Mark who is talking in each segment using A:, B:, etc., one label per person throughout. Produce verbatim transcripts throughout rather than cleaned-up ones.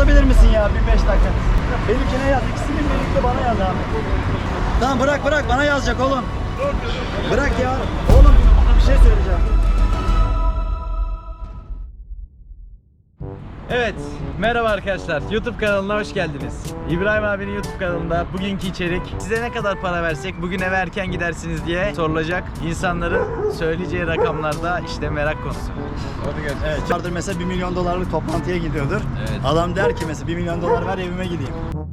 A: yazabilir misin ya bir beş dakika? Benimkine yaz. İkisini birlikte bana yaz abi. Tamam bırak bırak bana yazacak oğlum. Bırak ya. Oğlum bir şey söyleyeceğim.
B: Evet, merhaba arkadaşlar. YouTube kanalına hoş geldiniz. İbrahim abinin YouTube kanalında bugünkü içerik size ne kadar para versek bugün eve erken gidersiniz diye sorulacak. İnsanların söyleyeceği rakamlarda işte merak konusu. Hadi görüşürüz.
A: Evet. Vardır mesela bir milyon dolarlık toplantıya gidiyordur.
B: Evet.
A: Adam der ki mesela bir milyon dolar ver evime gideyim.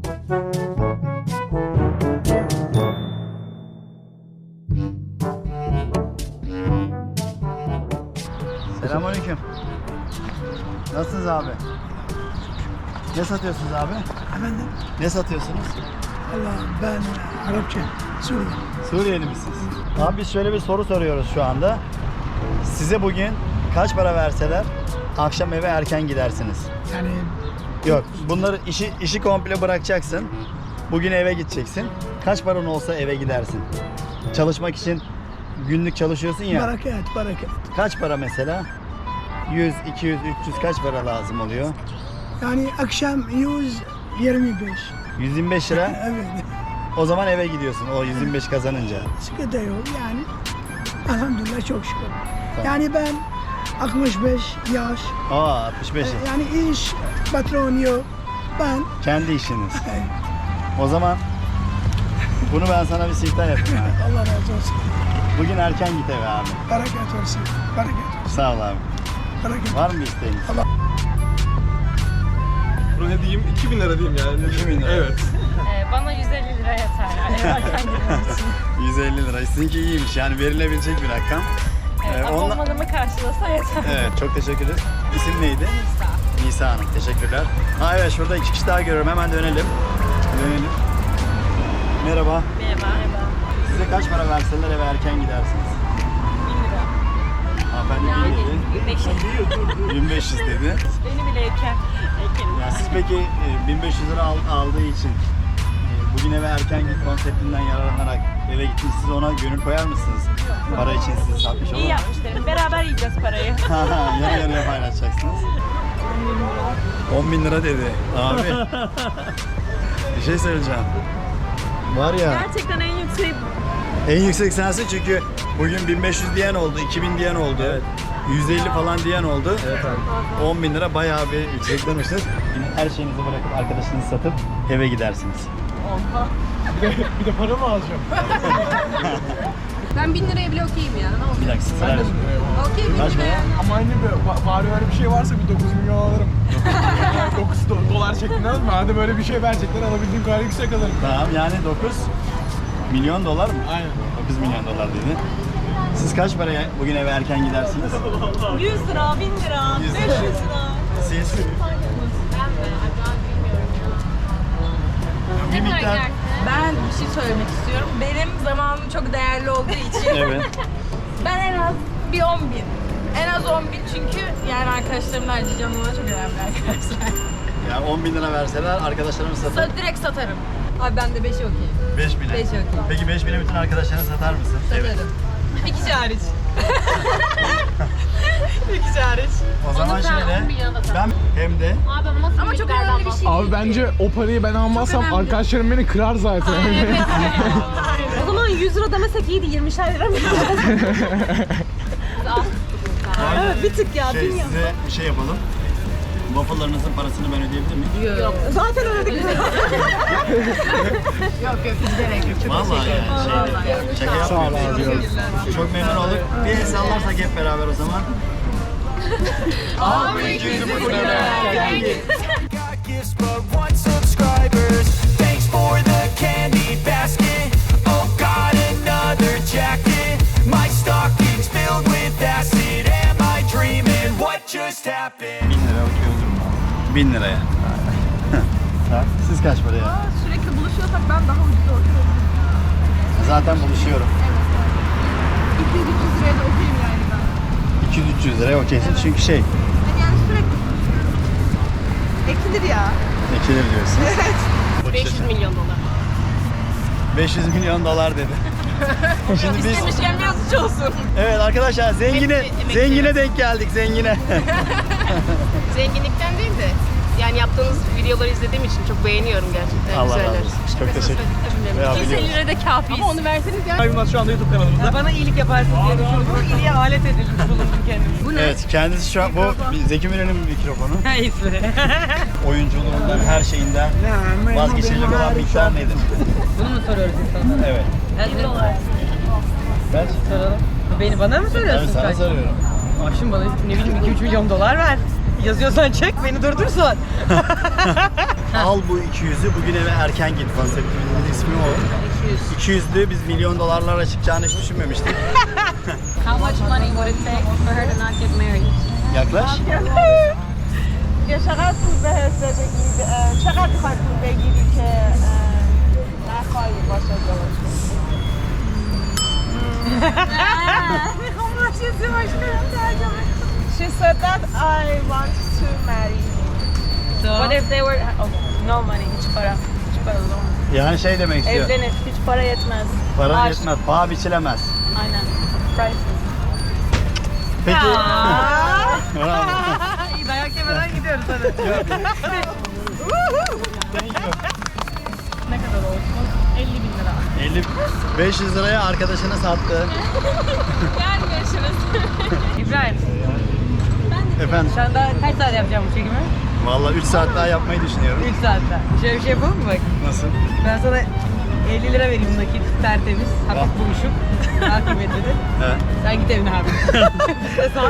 A: Selamünaleyküm. Nasılsınız abi? Ne satıyorsunuz abi?
C: Efendim?
A: Ne satıyorsunuz?
C: Allah ben Arapça, Suriye.
A: Suriyeli misiniz? Abi biz şöyle bir soru soruyoruz şu anda. Size bugün kaç para verseler akşam eve erken gidersiniz?
C: Yani
A: Yok, bunları işi işi komple bırakacaksın. Bugün eve gideceksin. Kaç paran olsa eve gidersin. Çalışmak için günlük çalışıyorsun ya.
C: barakat, barakat.
A: Kaç para mesela? yüz, iki yüz, üç yüz kaç para lazım oluyor?
C: Yani akşam yüz yirmi beş.
A: yüz yirmi beş lira.
C: Evet.
A: O zaman eve gidiyorsun o yüz yirmi beş kazanınca.
C: Sıkıntı yok yani. Elhamdülillah çok şükür. Yani ben altmış beş yaş.
A: Aa altmış beş.
C: e, Yani iş, patron yok. Ben
A: Kendi işiniz.
C: e,
A: O zaman bunu ben sana bir siftah yapayım abi.
C: Allah razı olsun.
A: Bugün erken git eve abi.
C: Barakat olsun. Barakat olsun.
A: Sağ ol abi.
C: Barakat.
A: Var mı bir isteğiniz?
D: Bro ne diyeyim? iki bin lira diyeyim yani.
A: iki bin lira.
D: Evet.
E: Ee, bana yüz elli lira yeter yani eve erken gitmem için.
A: yüz elli lira. Sizinki iyiymiş yani verilebilecek bir rakam.
E: Evet,
A: Ee, onunla-
E: abonmanımı karşılasa yeter.
A: Evet çok teşekkür ederiz. İsim neydi?
E: Nisa.
A: Nisa Hanım teşekkürler. Ha evet şurada iki kişi daha görüyorum hemen dönelim. Dönelim. Merhaba.
E: Merhaba. Merhaba.
A: Size kaç para verseler eve erken gidersiniz?
E: bin lira.
A: Hanımefendi
E: Yani
A: bin dedi.
E: bin beş yüz.
A: bin beş yüz dedi.
E: Beni bile erken. Erkenim.
A: Ya siz peki e, bin beş yüz lira al- aldığı için e, bugün eve erken git konseptinden yararlanarak eve gittiniz. Siz ona gönül koyar mısınız? Para için sizi satmış olur
E: İyi
A: mu?
E: yapmışlar. Beraber yiyeceğiz parayı.
A: Yarı yarıya paylaşacaksınız. on bin lira dedi. Abi. Bir şey söyleyeceğim. Var ya.
E: Gerçekten en yüksek.
A: En yüksek sensin çünkü bugün bin beş yüz diyen oldu, iki bin diyen oldu. Evet. yüz elli falan diyen oldu.
D: Evet abi.
A: on bin lira bayağı bir yükseklemiştir. Her şeyinizi bırakıp arkadaşınızı satıp eve gidersiniz.
E: Oha.
D: Bir de para mı alacağım?
F: Ben bin liraya bile okeyim ya. Ne oldu?
A: Bir dakika sıra.
F: Okey bin
A: Kaç
F: lira.
A: para?
D: Ama anne be, ba- bari öyle bir şey varsa bir dokuz milyon alırım. dokuz do- dolar şeklinde alırım. Hadi böyle bir şey verecekler alabildiğim kadar yüksek alırım.
A: Tamam yani dokuz milyon dolar mı?
D: Aynen.
A: dokuz milyon dolar dedi. Siz kaç paraya bugün eve erken gidersiniz?
E: yüz lira, bin lira,
A: yüz
E: beş yüz lira.
A: Siz? Bir miktar.
F: Ben bir şey söylemek istiyorum. Benim zamanım çok değerli olduğu için
A: Evet.
F: ben en az bir on bin. En az on bin çünkü yani arkadaşlarımla harcayacağım ona çok önemli arkadaşlar.
A: Yani on bin lira verseler arkadaşlarımı satar.
F: Sa- direkt satarım. Abi ben de beşi okeyim.
A: beş bine.
F: Beş okey.
A: Peki beş bine bütün arkadaşlarına satar mısın?
F: Satarım.
E: Bir kişi hariç. Bir kişi hariç.
A: O zaman şöyle. Ben hem de
F: Ama çok önemli bir şey
D: Abi bence o parayı ben almazsam
F: önemli.
D: arkadaşlarım beni kırar zaten.
E: O zaman yüz lira demesek iyiydi, yirmişer lira mı? Evet, bir tık ya,
A: şey,
E: bilmiyorum.
A: size bir şey yapalım. Waffle'larınızın parasını ben ödeyebilir miyim?
F: Yok.
E: Zaten öyle
F: Yok yok hiç gerek yok. Çok
A: Vallahi yani şey, şaka
D: Sağ ol
A: yapmıyorum.
D: abi.
A: Çok memnun olduk. Bir el sallarsak hep beraber o zaman.
F: Abi yüzü
G: Got gifts but one subscribers. Thanks for the candy basket. Oh, got another jacket. My stocking's filled with acid. Am I dreaming? What just happened?
A: bin lira okey olur mu? bin liraya. Ha, siz kaç paraya?
F: Sürekli buluşuyorsak ben daha ucuz okuyorum.
A: Zaten buluşuyorum.
F: iki yüz üç yüz liraya da okuyayım yani ben.
A: iki yüz üç yüz liraya okeysin çünkü şey.
F: Ben yani sürekli buluşuyorum. Ekilir ya.
A: Ekilir diyorsun. Evet.
E: beş yüz milyon dolar.
A: beş yüz milyon dolar dedi. Şimdi biz
E: İstemişken biraz suç olsun.
A: evet arkadaşlar zengine
E: Hepsi emekli.
A: zengine denk geldik zengine.
H: Zenginlikten değil de yani
E: Yani yaptığınız videoları izlediğim için çok beğeniyorum gerçekten.
A: Allah
E: Güzeller.
A: razı olsun. Çok teşekkür ederim. Ya,
E: yüz elli
A: biliyoruz.
E: lira da kafiyiz. Ama onu verseniz ya.
D: Yılmaz şu anda YouTube kanalımızda.
H: Bana iyilik yaparsın diye düşündüm. İyiliğe alet edilmiş bulundum kendimi.
A: Evet, kendisi şu an bu Zeki Müren'in mikrofonu.
H: Neyse.
A: Oyunculuğundan, her şeyinden vazgeçilecek olan miktar nedir?
H: Bunu mu soruyoruz insanlara?
A: Evet.
H: elli dolar.
A: Kaç?
H: Soralım. Beni bana mı
A: Tabii
H: soruyorsun
A: sana
H: kaç?
A: soruyorum.
H: Aşkım bana ne bileyim iki üç milyon dolar ver. Yazıyorsan çek beni durdursun.
A: Al bu iki yüzü bugün eve erken git konseptimizin ismi o.
H: iki yüz.
A: iki yüzlü biz milyon dolarlara çıkacağını hiç düşünmemiştik.
E: How much money would it take for her to not get married?
A: Yaklaş.
I: یا چقدر پول بهت بده اه، چقدر میخوای پول بگیری که اه، نخواهی باشه ازدواج کنی؟ She said that I want to marry you.
H: So,
I: What if they were oh, no money, hiç para, hiç para olmaz.
A: Yani şey demek istiyor.
I: Evlenir, hiç para yetmez.
A: Para
I: Aşk.
A: yetmez, paha biçilemez.
I: Aynen. Priceless.
A: Peki. Bravo.
H: iyi dayak yemeden gidiyoruz hadi. Ne kadar olsun? elli bin lira.
A: elli beş yüz liraya arkadaşına sattı.
E: Yani görüşürüz.
H: İbrahim,
A: Efendim,
H: şu anda kaç saat yapacağım bu çekimi?
A: vallahi üç saat daha yapmayı düşünüyorum.
H: üç saatte. Şöyle bir şey yapalım mı bak?
A: Nasıl?
H: Ben sana elli lira vereyim nakit, tertemiz, hafif buruşuk, daha kıymetlidir.
A: Evet.
H: Sen git evine abi. Sen.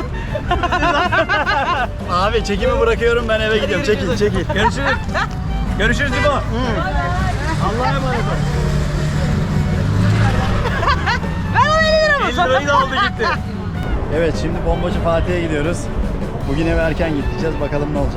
A: Abi çekimi bırakıyorum, ben eve gidiyorum. Çekil, çekil.
B: Görüşürüz. Görüşürüz İbo.
A: Allah'a emanet ol.
B: elli lirayı da aldı gitti.
A: Evet, şimdi Bombacı Fatih'e gidiyoruz. Bugün eve erken gideceğiz, bakalım ne olacak.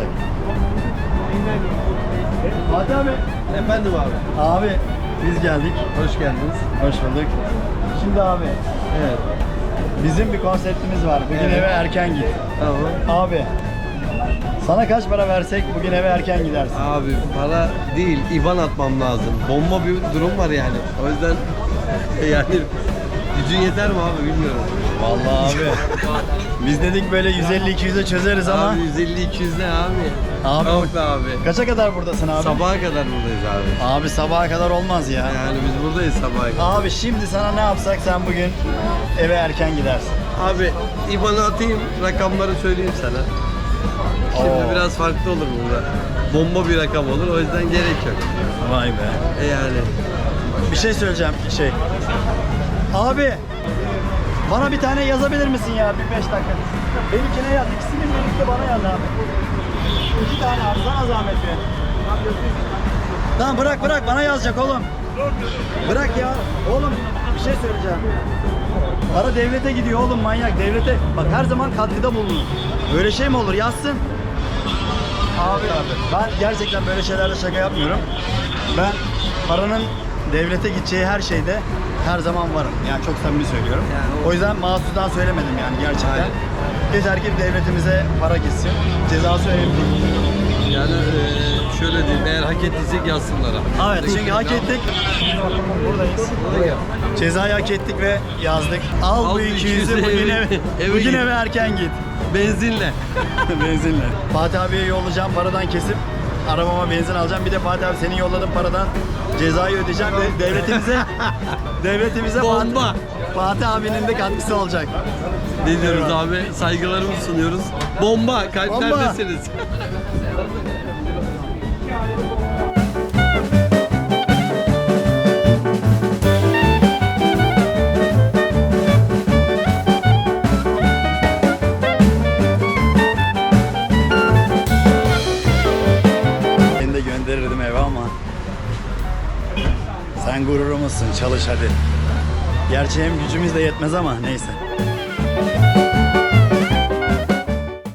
A: Fatih abi.
D: Efendim abi.
A: Abi, biz geldik.
D: Hoş geldiniz.
A: Hoş bulduk. Şimdi abi,
D: Evet.
A: bizim bir konseptimiz var. Bugün
D: Evet.
A: eve erken git.
D: Tamam.
A: Abi, sana kaç para versek bugün eve erken gidersin.
J: Abi para değil, İban atmam lazım. Bomba bir durum var yani. O yüzden yani gücün yeter mi abi bilmiyorum.
A: Vallahi abi. Biz dedik böyle yüz elli iki yüze çözeriz ama.
J: Abi yüz elli iki yüz ne abi?
A: Abi,
J: Yok be abi.
A: Kaça kadar buradasın abi?
J: Sabaha kadar buradayız abi.
A: Abi sabaha kadar olmaz ya.
J: Yani biz buradayız sabaha kadar.
A: Abi şimdi sana ne yapsak sen bugün eve erken gidersin.
J: Abi İban'ı atayım, rakamları söyleyeyim sana. Şimdi
A: Oo.
J: biraz farklı olur burada. Bomba bir rakam olur, o yüzden gerek yok.
A: Vay be.
J: E yani.
A: Bir şey söyleyeceğim şey. Abi bana bir tane yazabilir misin ya bir beş dakika? Benimkine yaz. İkisini birlikte bana yaz abi. İki tane abi sana zahmet be. Tamam bırak bırak bana yazacak oğlum. Bırak ya. Oğlum bir şey söyleyeceğim. Para devlete gidiyor oğlum manyak devlete. Bak her zaman katkıda bulunur. Böyle şey mi olur yazsın. Abi abi ben gerçekten böyle şeylerle şaka yapmıyorum. Ben paranın devlete gideceği her şeyde her zaman varım. Yani çok samimi söylüyorum.
J: Yani o-
A: O yüzden mahsustan söylemedim yani gerçekten.
J: Aynen.
A: Yeter ki devletimize para gitsin. Cezası önemli değil.
J: Yani eee, şöyle diyeyim, eğer hak ettiysek yazsınlar abi.
A: Evet çünkü hak ettik. Buradayız. Cezayı hak ettik ve yazdık. Al,
J: Al
A: bu
J: bu
A: iki yüzü
J: iki yüzü
A: bugün
J: eve-
A: eve,
J: eve
A: bugün
J: git.
A: eve erken git.
J: Benzinle.
A: Benzinle. Fatih abiye yollayacağım paradan kesip arabama benzin alacağım. Bir de Fatih abi senin yolladığın paradan cezayı ödeyeceğim ve devletimize devletimize
J: Bomba.
A: Fatih, Fatih abinin de katkısı olacak.
J: Ne diyoruz abi? Saygılarımızı sunuyoruz. Bomba, kalplerdesiniz.
A: Seni de gönderirdim eve ama sen gururumuzsun çalış hadi. Gerçi hem gücümüz de yetmez ama neyse.